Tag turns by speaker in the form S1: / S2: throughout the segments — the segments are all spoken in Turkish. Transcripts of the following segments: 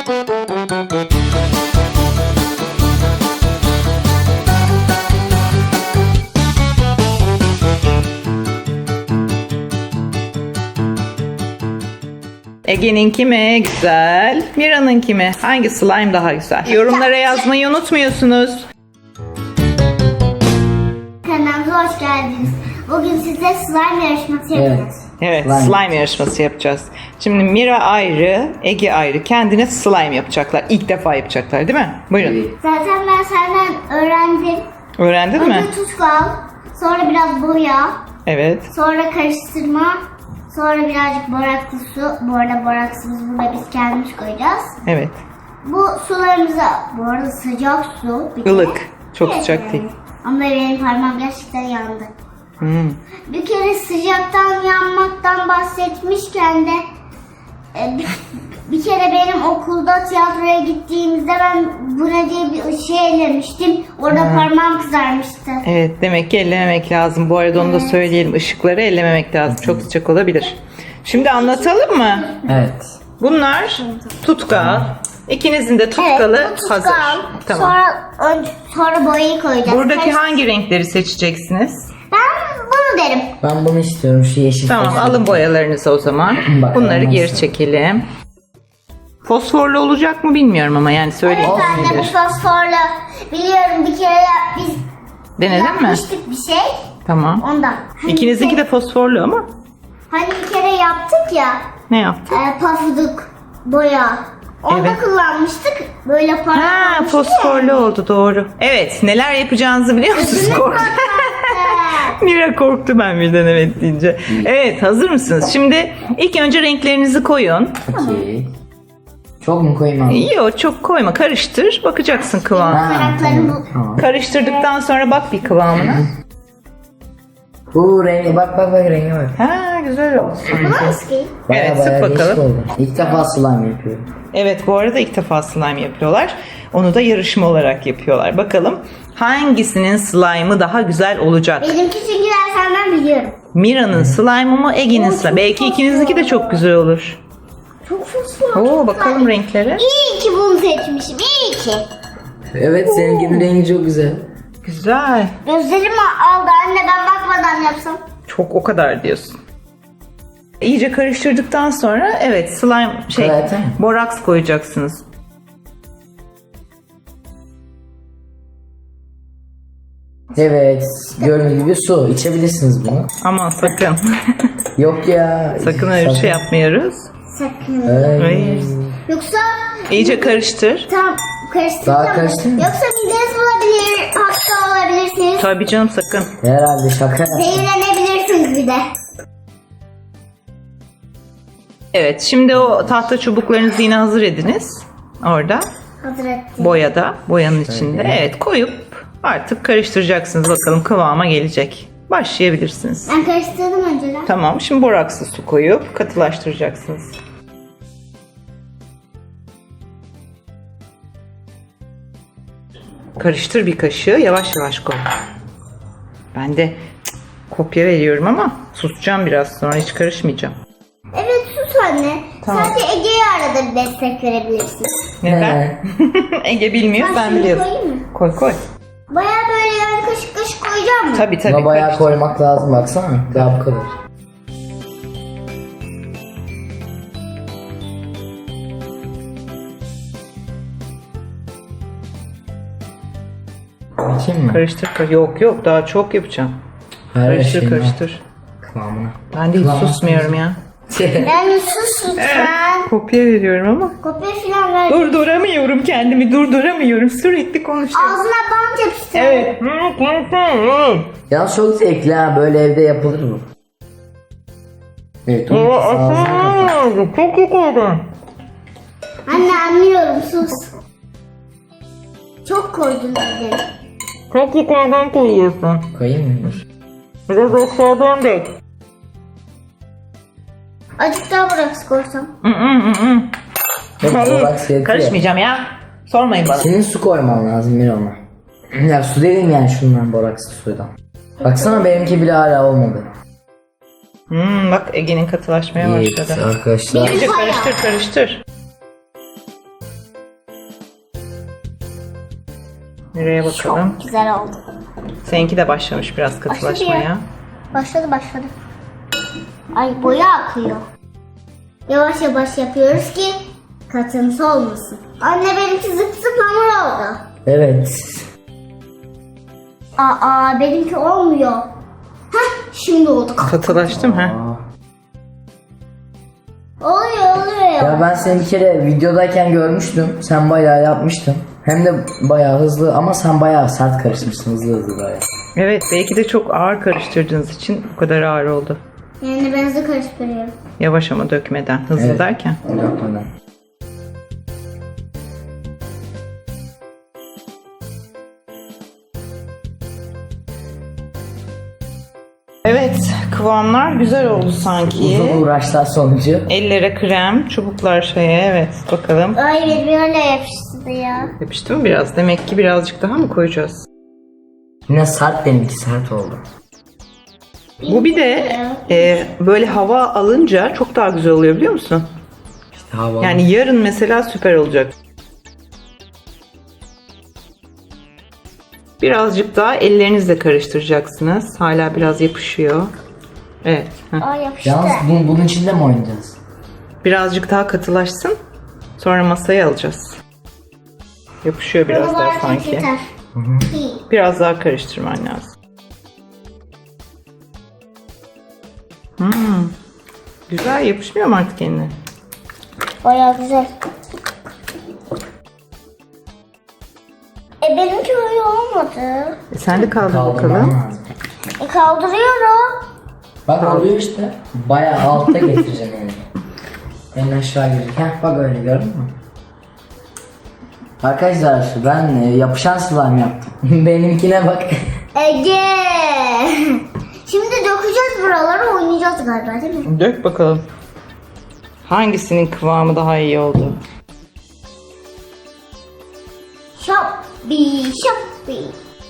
S1: Ege'ninki mi güzel? Mira'nınki mi? Hangi slime daha güzel? Yorumlara yazmayı unutmuyorsunuz.
S2: Kanalımıza hoş geldiniz. Bugün size slime yarışması yapacağız.
S1: Evet,
S3: Slime.
S1: slime yarışması yapacağız. Şimdi Mira ayrı, Ege ayrı. Kendine slime yapacaklar. İlk defa yapacaklar değil mi? Buyurun.
S2: Zaten ben senden öğrendim.
S1: Öğrendin mi?
S2: Önce tuz al, sonra biraz boya,
S1: Evet.
S2: sonra karıştırma, sonra birazcık boraklı su. Bu arada boraksımız burada biz kendimiz koyacağız.
S1: Evet.
S2: Bu sularımıza, bu arada sıcak su. bir kere.
S1: Ilık. Çok
S2: Evet,
S1: sıcak
S2: yani.
S1: değil.
S2: Ama benim parmağım gerçekten yandı.
S1: Hmm.
S2: Bir kere sıcaktan yanmaktan bahsetmişken de bir kere benim okulda tiyatroya gittiğimizde ben bu ne diye bir şey ellemiştim. Orada parmağım kızarmıştı.
S1: Evet, demek ki ellememek lazım. Bu arada onu da söyleyelim. Işıkları ellememek lazım. Çok sıcak olabilir. Şimdi anlatalım mı?
S3: Evet.
S1: Bunlar tutkal. İkinizin de tutkalı
S2: bu tutkal.
S1: hazır. Tamam.
S2: Sonra boyayı koyacağız.
S1: Buradaki hangi renkleri seçeceksiniz?
S2: Ben bunu derim.
S3: Ben bunu istiyorum, şu yeşil.
S1: Tamam,
S3: fosfor.
S1: alın boyalarınızı o zaman.
S3: Bak,
S1: Bunları
S3: olmaz.
S1: geri çekelim. Fosforlu olacak mı bilmiyorum ama yani söyleyeyim.
S2: Evet anne, bu fosforlu. Biliyorum, bir kere biz
S1: Denedin mi?
S2: yapmıştık bir şey.
S1: Tamam.
S2: Ondan.
S1: İkinizinki de fosforlu ama.
S2: Hani bir kere yaptık ya.
S1: Ne yaptın?
S2: Pafuduk boya. Onda
S1: Evet.
S2: kullanmıştık. Böyle
S1: Ha,
S2: parlamıştı.
S1: fosforlu oldu, doğru. Evet, neler yapacağınızı biliyor musunuz? Mira korktu ben birden evet deyince. Evet, hazır mısınız? Şimdi ilk önce renklerinizi koyun.
S3: Okey. Çok mu koyayım abi?
S1: Yok, çok koyma, karıştır. Bakacaksın kıvamına.
S3: Ha,
S2: Karakterim
S3: tamam,
S2: bu.
S3: tamam.
S1: Karıştırdıktan sonra bak bir kıvamına.
S3: Bu rengi bak rengi bak.
S1: Ha, güzel oldu.
S2: Bu da eski.
S1: Evet, sık
S3: değişik
S1: bakalım.
S3: oldu. İlk defa slime yapıyorum.
S1: Evet, bu arada ilk defa slime yapıyorlar. Onu da yarışma olarak yapıyorlar. Bakalım hangisinin slime'ı daha güzel olacak?
S2: Benimki çünkü ben senden biliyorum.
S1: Mira'nın slime'ı mı, Ege'nin slime'ı? Belki ikinizinki de çok güzel olur.
S2: Çok fosfor.
S1: Oo, bakalım renklere.
S2: İyi ki bunu seçmişim. İyi ki.
S3: Evet, seninkinin rengi çok güzel.
S1: Güzel.
S2: Gözlerim aldı anne, ben bakmadan yapsam.
S1: Çok o kadar diyorsun. İyice karıştırdıktan sonra evet slime
S3: Zaten.
S1: boraks koyacaksınız.
S3: Evet, gördüğünüz gibi su. İçebilirsiniz bunu.
S1: Aman sakın.
S3: Yok ya.
S1: Sakın öyle bir şey yapmıyoruz.
S2: Sakın.
S3: Ay.
S1: Hayır.
S2: Yoksa
S1: İyice karıştır.
S2: tam karıştıracağım.
S3: Daha karıştır mı?
S2: Yoksa mideniz olabilir, hasta olabilirsiniz.
S1: Tabii canım, sakın.
S3: Herhalde şaka.
S2: Zehirlenebilirsiniz bir de.
S1: Evet, şimdi o tahta çubuklarınızı yine hazır ediniz. Orada.
S2: Hazır ettim.
S1: Boyada, boyanın içinde.
S3: Öyle.
S1: Evet, koyup artık karıştıracaksınız. Bakalım kıvama gelecek. Başlayabilirsiniz.
S2: Ben karıştırdım önceden.
S1: Tamam, şimdi borakslı su koyup katılaştıracaksınız. Karıştır bir kaşığı, yavaş yavaş koy. Ben de kopya veriyorum ama susacağım biraz sonra, hiç karışmayacağım.
S2: Evet, sus anne.
S1: Tamam.
S2: Sadece Ege'ye arada bir destek verebilirsin.
S1: Neden? Ege bilmiyor, sen
S2: şunu
S1: biliyorsun.
S2: koyayım mı?
S1: Koy koy.
S2: Baya böyle yani kaşık kaşık koyacağım mı?
S1: Tabii tabii.
S3: Buna bayağı
S1: karıştır.
S3: koymak lazım, baksana. Daha bu kadar. Bakayım mı?
S1: Karıştır. Yok yok, daha çok yapacağım.
S3: Her
S1: Karıştır
S3: şeyini
S1: karıştır.
S3: Kıvamına.
S1: Ben de hiç
S3: Kıvamına.
S1: susmuyorum ya.
S2: Yani sus lütfen.
S1: Kopya veriyorum ama.
S2: Kopya falan ver.
S1: Durduramıyorum kendimi, durduramıyorum. Sürekli konuşuyorum.
S2: Ağzına bant yapıştır.
S1: Evet.
S3: Yalnız çok zevkli ha, böyle evde yapılır mı? Evet, onu ağzına kapat.
S1: Çok iyi koydun.
S2: Anne anlıyorum, sus. Çok koydun dedim.
S1: Çok yukarıdan koyuyorsun.
S3: Koyayım mı? Dur.
S1: Biraz aşağıdan dök.
S2: Azıcık daha bırak koysam.
S3: Yok, boraks yetiyor.
S1: Karışmayacağım ya. Sormayın bana.
S3: Senin su koyman lazım bir ona. Ya su dedim yani, şundan borakslı sudan. Baksana, benimki bile hala olmadı.
S1: Bak Ege'nin katılaşmaya
S3: Evet
S1: başladı.
S3: arkadaşlar.
S1: İyice karıştır karıştır. Mira'ya bakalım.
S2: Çok güzel oldu.
S1: Seninki de başlamış biraz katılaşmaya.
S2: Başladı. Ay boya akıyor. Yavaş yavaş yapıyoruz ki katıntısı olmasın. Anne benimki zıp zıp hamur oldu.
S3: Evet.
S2: Aa benimki olmuyor. Heh şimdi oldu.
S1: Katılaştım ha.
S2: Oluyor.
S3: Ya ben seni bir kere videodayken görmüştüm. Sen bayağı yapmıştın. Hem de bayağı hızlı ama sen bayağı sert karışmışsın, hızlı bayağı.
S1: Evet, belki de çok ağır karıştırdığınız için bu kadar ağır oldu.
S2: Yani ben hızlı karıştırıyorum.
S1: Yavaş ama dökmeden. Hızlı
S3: Evet.
S1: derken.
S3: Yapmadan.
S1: Evet, kıvamlar güzel oldu sanki.
S3: Uzun uğraşlar sonucu.
S1: Ellere krem, çubuklar şeye. Evet, bakalım.
S2: Ay birbirine yapıştı ya.
S1: Yapıştı mı biraz? Demek ki birazcık daha mı koyacağız?
S3: Yine sert, benimki sert oldu.
S1: Bu bir de böyle hava alınca çok daha güzel oluyor, biliyor musun?
S3: Havalı.
S1: Yani yarın mesela süper olacak. Birazcık daha ellerinizle karıştıracaksınız. Hala biraz yapışıyor. Evet. heh.
S2: Ay yapıştı.
S3: Yalnız bunun içinde mi oynayacağız?
S1: Birazcık daha katılaşsın. Sonra masaya alacağız. Yapışıyor biraz
S2: Bana
S1: daha
S2: bayağı
S1: sanki.
S2: yeter.
S1: Biraz daha karıştırman lazım. Güzel, yapışmıyor mu artık eline?
S2: Bayağı güzel. Benimki öyle olmadı.
S1: Sen de kaldır
S3: Kaldırmam
S1: bakalım.
S3: lazım.
S2: Kaldırıyorum.
S3: Bak oluyor işte. Bayağı altta getireceğim elini. Elini aşağı girecek. Heh, bak öyle gördün mü? Arkadaşlar ben yapışan slime yaptım. Benimkine bak.
S2: Ege. Şimdi dökeceğiz buraları, oynayacağız galiba değil mi?
S1: Dök bakalım. Hangisinin kıvamı daha iyi oldu?
S2: Şoppi.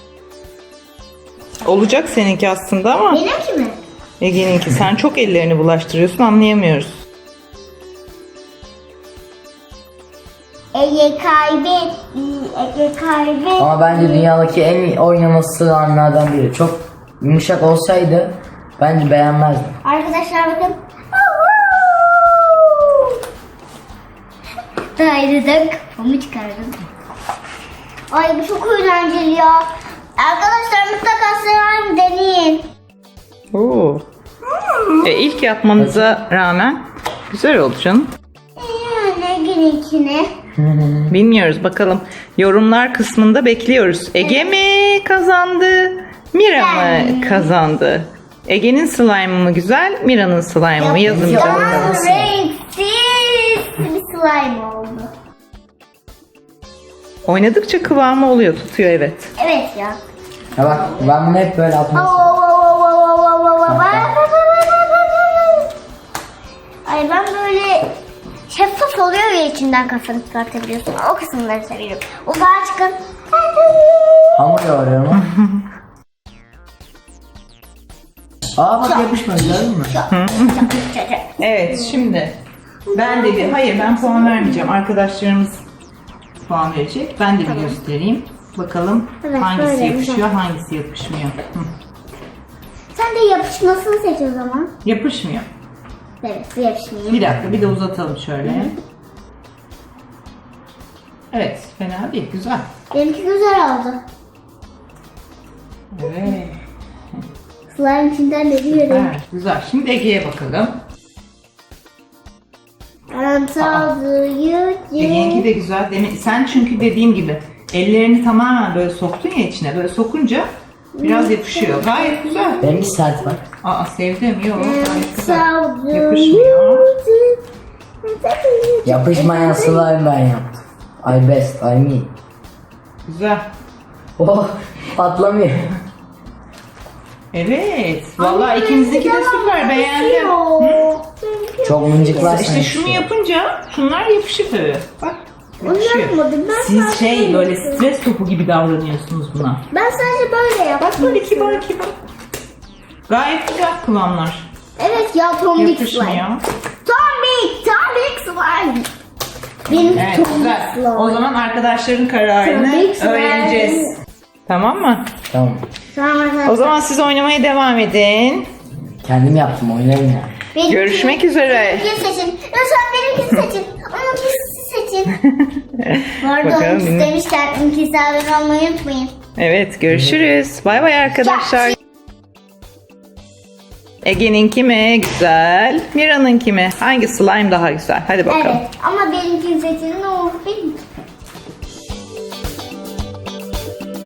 S1: Olacak seninki aslında ama
S2: Benimki mi?
S1: Ege'ninki. Sen çok ellerini bulaştırıyorsun, anlayamıyoruz.
S2: Ege kaybetti. Ege kaybetti.
S3: Ama bence dünyadaki en iyi oynaması slime'lardan biri. Çok yumuşak olsaydı bence beğenmezdim.
S2: Arkadaşlar bakın. Daireden kafamı çıkardım. Ay bu çok eğlenceli ya. Arkadaşlar mutlaka slime deneyin.
S1: Oo. İlk yapmanıza rağmen güzel oldu canım.
S2: Yani gününkine.
S1: Bilmiyoruz, bakalım. Yorumlar kısmında bekliyoruz. Ege mi kazandı? Mira mı kazandı? Ege'nin slime'ı mı güzel? Mira'nın slime'ı mı? Yazın
S3: Ya,
S1: bakalım.
S2: Renksiz bir slime oldu.
S1: Oynadıkça kıvamı oluyor, tutuyor, evet.
S2: Evet ya.
S3: Ya bak ben bunu hep böyle atmak
S2: Ay ben böyle şeffaf oluyor ya, içinden kafanı çıkartabiliyorsun. O kısımları seviyorum. Uzağa çıkın.
S3: hamur yoğuruyorum. Aa bak yapışmadı, gördün mü?
S1: Evet, şimdi ben de ben puan vermeyeceğim. Arkadaşlarımız puan verecek. Ben de bir göstereyim. Bakalım
S2: Evet,
S1: hangisi
S2: böyle,
S1: yapışıyor, hangisi yapışmıyor.
S2: Sen de yapışmasını seç o zaman.
S1: Yapışmıyor.
S2: Evet, bu yapışmıyor.
S1: Bir dakika, bir de uzatalım şöyle. Evet, fena değil, güzel.
S2: Benimki güzel oldu.
S1: Evet,
S2: Slime içinden de biliyorum.
S1: evet, güzel. Şimdi Ege'ye bakalım. Ege'ninki de güzel. Sen çünkü dediğim gibi ellerini tamamen böyle soktun ya içine. Böyle sokunca biraz yapışıyor. Gayet güzel.
S3: Benimki sert bak.
S1: Aa, sevdim. Yok, gayet güzel. Yapışmıyor.
S3: Yapışmayan slime ben yaptım. I best, I me.
S1: Güzel.
S3: Oh patlamıyor.
S1: Evet. Vallahi ikimizdeki de süper. Beğendim.
S3: Çok mıncıklarsan
S1: İşte şunu yapınca şunlar yapışır tabii. Bak.
S2: Onu
S1: Yapışıyor.
S2: yapmadım. Ben
S1: Siz
S2: sadece
S1: böyle stres topu gibi davranıyorsunuz buna.
S2: Ben sadece böyle yaptım.
S1: Bak böyle kibar kibar. Gayet güzel kıvamlar.
S2: Evet ya, tombik slime.
S1: Yapışmıyor.
S2: Tombik slime. Benim
S1: Evet
S2: Tombik
S1: güzel.
S2: slime.
S1: O zaman arkadaşların kararını
S2: Tombik slime.
S1: öğreneceğiz. Tamam mı?
S3: Tamam.
S2: Tamam arkadaşlar.
S1: O zaman siz oynamaya devam edin.
S3: Kendim yaptım oynayın ya.
S2: Benimki-
S1: Görüşmek üzere.
S2: Benimkini seçin. Lütfen benimkini seçin. Onunkini seçin. Bu arada
S1: Bakalım,
S2: onu istemişler. Onunkisi abone olmayı unutmayın.
S1: Evet görüşürüz. Bay bay arkadaşlar. Ege'ninki mi güzel? Mira'nınki mi? Hangi slime daha güzel? Hadi bakalım.
S2: Evet ama benimkini seçin. Ne olur benimkini